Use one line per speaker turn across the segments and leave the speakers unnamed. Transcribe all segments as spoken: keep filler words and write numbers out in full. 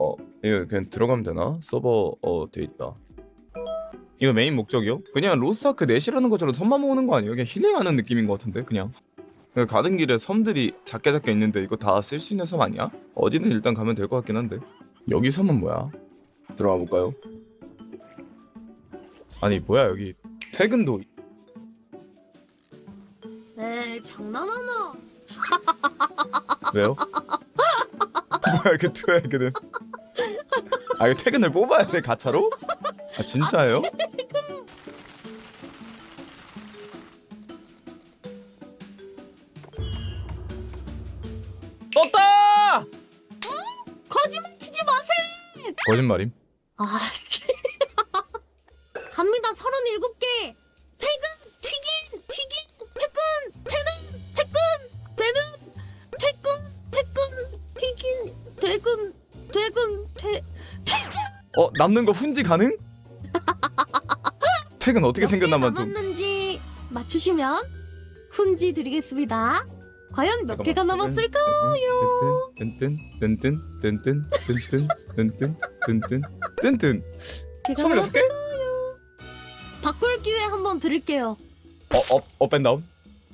어 이거 그냥 들어가면 되나? 서버 어 돼있다. 이거 메인 목적이요? 그냥 로스아크 넷이라는 것처럼 섬만 모으는 거 아니에요? 그냥 힐링하는 느낌인 것 같은데 그냥. 그냥 가는 길에 섬들이 작게 작게 있는데 이거 다 쓸 수 있는 섬 아니야? 어디는 일단 가면 될 것 같긴 한데. 여기 섬은 뭐야? 들어가 볼까요? 아니 뭐야 여기 퇴근도.
에이 장난하나?
왜요? 뭐야 이렇게 퇴근은? 아 이거 퇴근을 뽑아야 돼 가차로? 아 진짜예요? 떴다!
거짓말 치지 마세요.
거짓말임?
아씨. 갑니다. 서른일곱 개. 퇴근, 튀긴, 튀긴, 퇴근, 퇴근, 퇴근, 퇴근, 퇴근, 퇴근, 튀긴, 퇴근, 퇴근, 퇴, 퇴근.
어 남는 거 훈지 가능? 퇴근 어떻게 생겼나만 좀.
남았는지 맞추시면 훈지 드리겠습니다. 과연 몇 개가 남았을까요?
뜬뜬 뜬뜬 뜬뜬 뜬뜬 뜬뜬 뜬뜬 뜬뜬 스물여섯 개?
바꿀 기회 한번 드릴게요.
어업 업앤다운?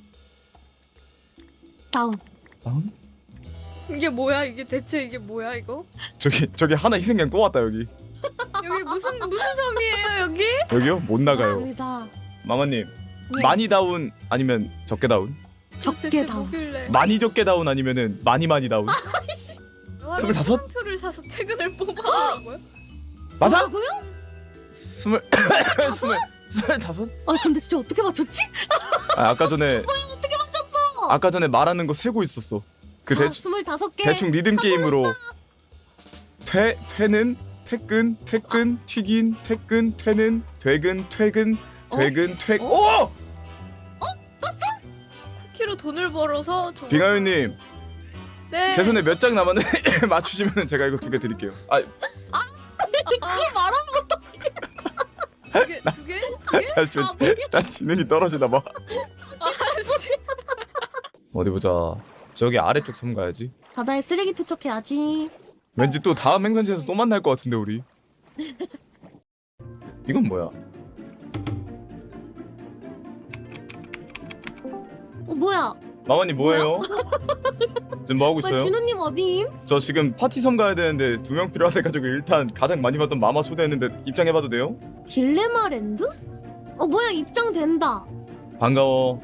다운.
다운?
이게 뭐야? 이게 대체 이게 뭐야 이거?
저기 저기 하나 희생양 또 왔다 여기.
여기 무슨 무슨 섬이에요 여기?
여기요? 못 나가요.
맞습니다.
마마님
네.
많이 다운 아니면 적게 다운?
적게
대체
다운.
뭐길래?
많이 적게 다운 아니면은 많이 많이 다운? 스물다섯?
표를 사서 퇴근을 뽑아보라고요?
맞아?
뭐라고요?
스물 스물 스물다섯?
아 근데 진짜 어떻게 맞췄지?
아 아까 전에
어떻게 맞췄어?
아까 전에 말하는 거 세고 있었어. 그
자,
대충
스물다섯 개.
대충 리듬 게임으로 퇴 퇴는 퇴근 퇴근 튀긴 퇴근 퇴는 퇴근 퇴근 퇴근 퇴근. 오!
쿠키로 돈을 벌어서 저...
빙하유님
네.
제 손에 몇 장 남았는데 맞추시면 제가 이거 두 개 드릴게요. 아
그걸 말하는 것도
두 개? 두 개? 두 개?
나 지금 나 지능이 떨어지나 봐.
아씨.
어디 보자. 저기 아래쪽 섬 가야지.
바다에 쓰레기 투척해야지.
왠지 또 다음 행선지에서 또 만날 것 같은데 우리. 이건 뭐야?
어 뭐야?
마마님 뭐예요? 지금 뭐 하고
왜
있어요?
진우님 어디임?
저 지금 파티 섬 가야 되는데 두 명 필요하돼가지고 일단 가장 많이 봤던 마마 초대했는데 입장해봐도 돼요?
딜레마 랜드? 어 뭐야 입장된다.
반가워.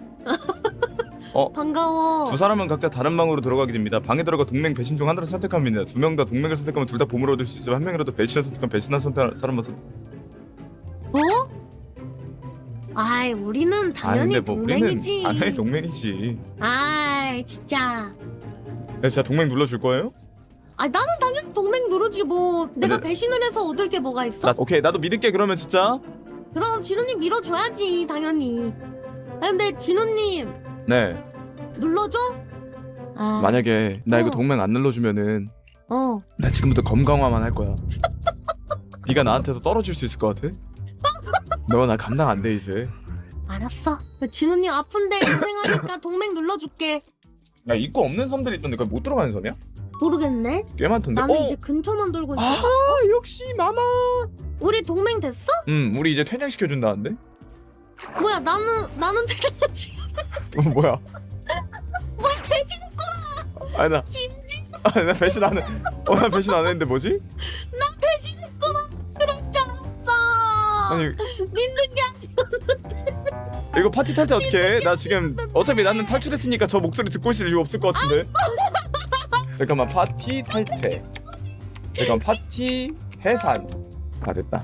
반가워.
두 사람은 각자 다른 방으로 들어가게 됩니다. 방에 들어가 동맹 배신 중 하나를 선택하면 됩니다. 두 명 다 동맹을 선택하면 둘 다 보물을 얻을 수 있으면 한 명이라도 배신을 선택하면 배신한 선택 사람만 선택.
어? 아이 우리는 당연히
아, 근데 뭐
동맹이지.
우리는 당연히 동맹이지.
아이 진짜.
야, 진짜 동맹 눌러줄 거예요?
아 나는 당연히 동맹 누르지 뭐. 내가
근데-
배신을 해서 얻을 게 뭐가 있어?
나 오케이 나도 믿을게 그러면 진짜.
그럼 진우님 밀어줘야지 당연히. 아 근데 진우님
네.
눌러줘? 아,
만약에 나 이거
어.
동맹 안 눌러주면은
어.
나 지금부터 검강화만 할 거야. 네가 나한테서 떨어질 수 있을 것 같아? 너가 나 감당 안 돼 이제.
알았어. 진우님 아픈데 고생하니까 동맹 눌러줄게.
야 입구 없는 섬들이 있던데 그걸 못 들어가는 섬이야?
모르겠네.
꽤 많던데.
나는
어?
이제 근처만 돌고 있어.
아 역시 마마.
우리 동맹 됐어?
음 우리 이제 퇴장시켜준다는데?
뭐야 나는 나는 대단하지.
어 뭐야?
뭐야 배신
아니 나
김지
아니 나 배신 안 해. 어나 배신 안 했는데 뭐지?
나 배신했구나. 그럴 줄 알았어.
아니
믿는 게 아니야.
이거 파티 탈 때 어떻게 해? 나 지금 어차피 나는 탈출했으니까 저 목소리 듣고 있을 이유 없을 것 같은데. 잠깐만 파티 탈퇴. 잠깐 파티 해산. 아 됐다.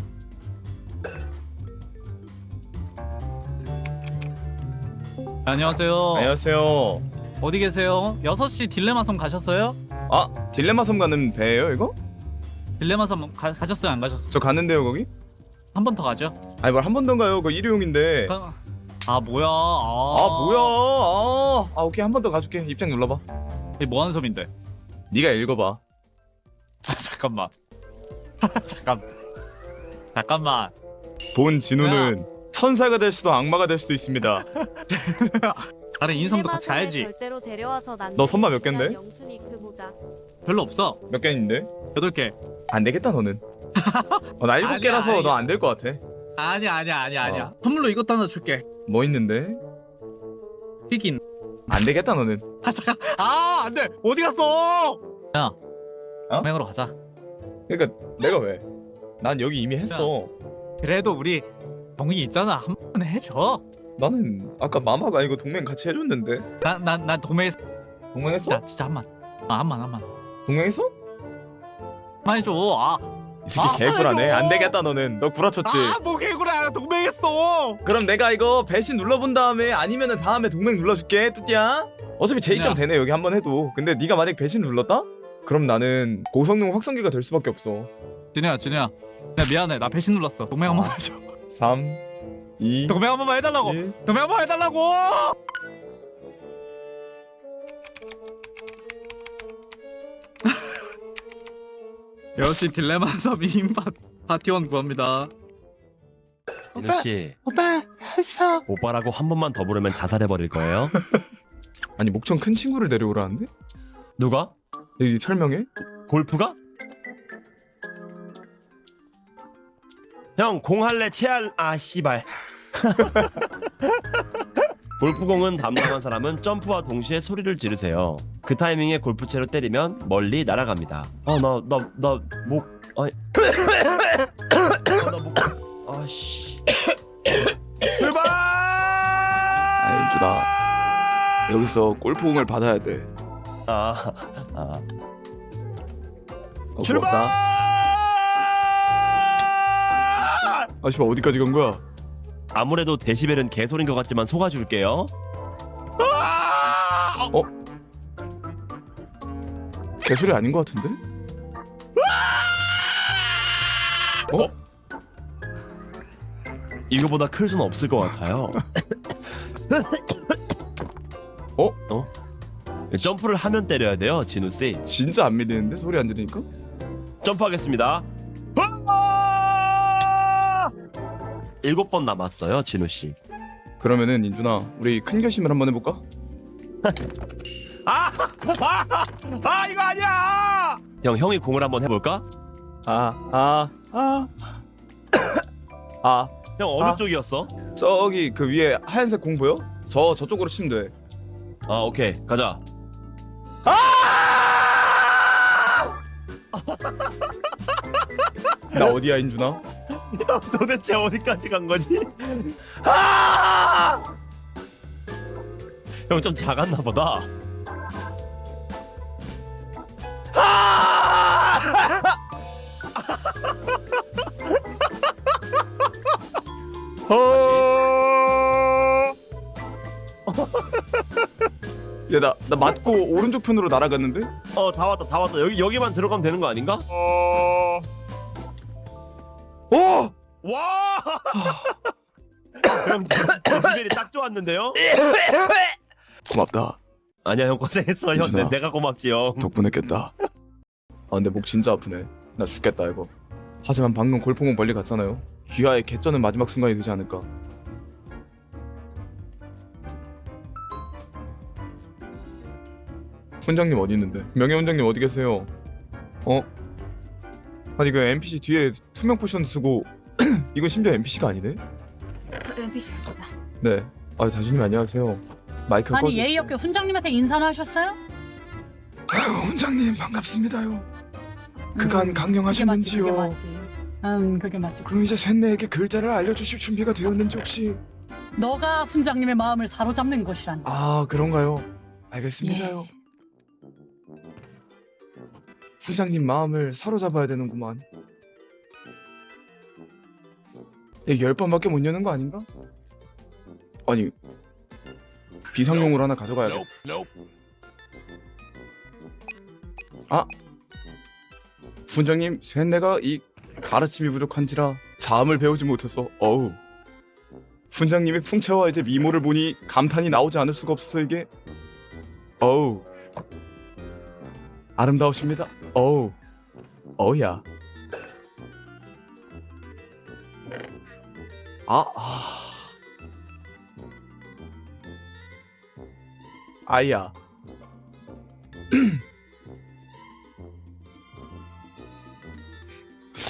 안녕하세요.
안녕하세요.
어디 계세요? 여섯 시 딜레마 섬 가셨어요?
아 딜레마 섬 가는 배예요 이거?
딜레마 섬 가, 가셨어요? 안 가셨어요?
저 가는데요 거기?
한 번 더 가죠.
아니 뭘 한 번 더 가요. 그거 일회용인데.
가... 아 뭐야? 아,
아 뭐야? 아, 아 오케이 한 번 더 가줄게. 입장 눌러봐.
이게 뭐 하는 섬인데?
네가 읽어봐.
잠깐만. 잠깐. 잠깐만.
본 진우는 천사가 될 수도 악마가 될 수도 있습니다.
다른 인성도 같이
딜레마 섬에
가야지.
절대로 데려와서 난
너 선마 몇 갠데?
영순이 그보다
별로 없어.
몇 개인데?
여덟 개.
안 되겠다 너는. 어, 나 일곱
아니야,
개라서
아니.
너 안 될 것 같아.
아니야 아니야 아니야 아니야.
어.
선물로 이것도 하나 줄게.
뭐 있는데?
튀긴.
안 되겠다 너는.
아 잠깐. 아 안돼. 어디 갔어? 야.
어?
동맹으로 가자.
그러니까 내가 왜? 난 여기 이미 했어.
그래도 우리 동이 있잖아. 한 번 해줘.
나는 아까 마마가 아니고 동맹 같이 해줬는데.
난난 난 동맹했어.
동맹했어?
나 진짜 한 번. 아 한 번 한 번.
동맹했어?
만 해줘. 아.
이 새끼
아,
개구라네.
아이고.
안 되겠다 너는. 너 구라쳤지.
아뭐 개구라. 동맹했어.
그럼 내가 이거 배신 눌러본 다음에 아니면은 다음에 동맹 눌러줄게 뚜띠야. 어차피 제 입장
야.
되네 여기 한번 해도. 근데 네가 만약 배신 눌렀다? 그럼 나는 고성능 확성기가 될 수밖에 없어.
진우야 진우야. 야 미안해. 나 배신 눌렀어. 동맹 한 번만 해줘.
삼 이
동맹 한 번만 해달라고.
일.
동맹 한 번만 해달라고. 역시 딜레마 섬 이인팟 파티원 구합니다.
민우 씨,
오빠 했어.
오빠라고 한 번만 더 부르면 자살해 버릴 거예요.
아니 목청 큰 친구를 데려오라는데?
누가?
여기 설명해?
골프가? 형, 공 할래? 채할? 아, 씨발. 골프공은 담당한 사람은 점프와 동시에 소리를 지르세요. 그 타이밍에 골프채로 때리면 멀리 날아갑니다. 아, 나, 나, 나, 목, 아니. 아, 나 목, 아씨. 출발!
아 윤주다. 여기서 골프공을 받아야 돼.
아, 아.
어,
출발!
고맙다. 아 씨발 어디까지 간 거야?
아무래도 데시벨은 개소리인 것 같지만 속아줄게요.
어? 개소리 아닌 것 같은데? 어?
이거보다 클 수는 없을 것 같아요.
어?
어? 점프를 하면 때려야 돼요, 진우 씨.
진짜 안 밀리는데 소리 안 들으니까?
점프하겠습니다. 일곱 번 남았어요, 진우 씨.
그러면은 인준아 우리 큰 결심을 한번 해볼까?
아, 아, 아 이거 아니야. 형, 형이 공을 한번 해볼까?
아아아아 아, 아.
형 어느
아.
쪽이었어?
저기 그 위에 하얀색 공 보여? 저 저쪽으로 치면 돼.
아, 오케이, 가자.
나 어디야 인준아?
형, 도대체 어디까지 간 거지? 형 좀 작았나 보다.
야나 나 맞고 오른쪽 편으로 날아갔는데?
어, 다 왔다, 다 왔다. 여기 여기만 들어가면 되는 거 아닌가?
어.
와! 그럼 데시벨이 딱 좋았는데요?
고맙다.
아니야, 형 고생했어. 형,
민준아.
내, 내가 고맙지, 형.
덕분에 깼다. 아 근데 목 진짜 아프네. 나 죽겠다 이거. 하지만 방금 골프공 멀리 갔잖아요. 귀하의 개쩌는 마지막 순간이 되지 않을까. 훈장님 어디 있는데? 명예 훈장님 어디 계세요? 어? 아니 그 엔피씨 뒤에 투명 포션 쓰고 이건 심지어 엔피씨가 아니네?
저 엔피씨입니다.
네. 아 자주님 안녕하세요. 마이크
아니
꺼주세요.
예의 없게 훈장님한테 인사나 하셨어요?
아유 훈장님 반갑습니다요. 그간
음,
강령하셨는지요?
그게 맞지, 그게 맞지. 음 그게 맞지.
그럼 이제 쇳내에게 글자를 알려주실 준비가 되었는지 혹시?
너가 훈장님의 마음을 사로잡는 것이란.
아 그런가요? 알겠습니다요.
예.
훈장님 마음을 사로잡아야 되는구만. 열 번밖에 못 여는 거 아닌가? 아니 비상용으로 하나 가져가야겠다. 아 훈장님 쇳내가 이 가르침이 부족한지라 자음을 배우지 못했어. 어우 훈장님의 풍채와 이제 미모를 보니 감탄이 나오지 않을 수가 없어서 이게 어우 아름다우십니다. 어우 어우야 아, 아. 아이야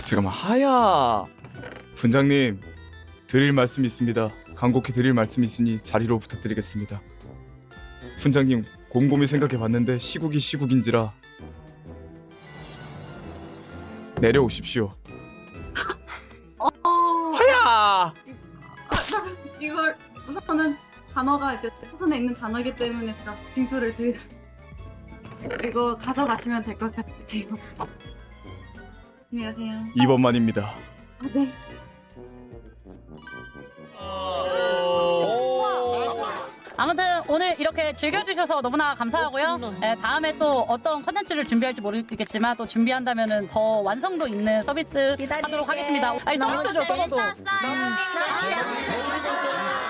잠깐만 하야 분장님 드릴 말씀이 있습니다. 간곡히 드릴 말씀이 있으니 자리로 부탁드리겠습니다. 분장님 곰곰이 생각해봤는데 시국이 시국인지라 내려오십시오.
어,
하야
이걸 우선은 단어가 이제 사전에 있는 단어이기 때문에 제가 징표를 드리 이거 가져가시면 될 것 같아요. 안녕하세요.
이 번만입니다.
아, 네.
아무튼 오늘 이렇게 즐겨주셔서 너무나 감사하고요. 네, 다음에 또 어떤 컨텐츠를 준비할지 모르겠지만 또 준비한다면은 더 완성도 있는 서비스 하도록 하겠습니다. 아니 서비스죠, 서비스.
재밌었어요. 너무 재밌었어요.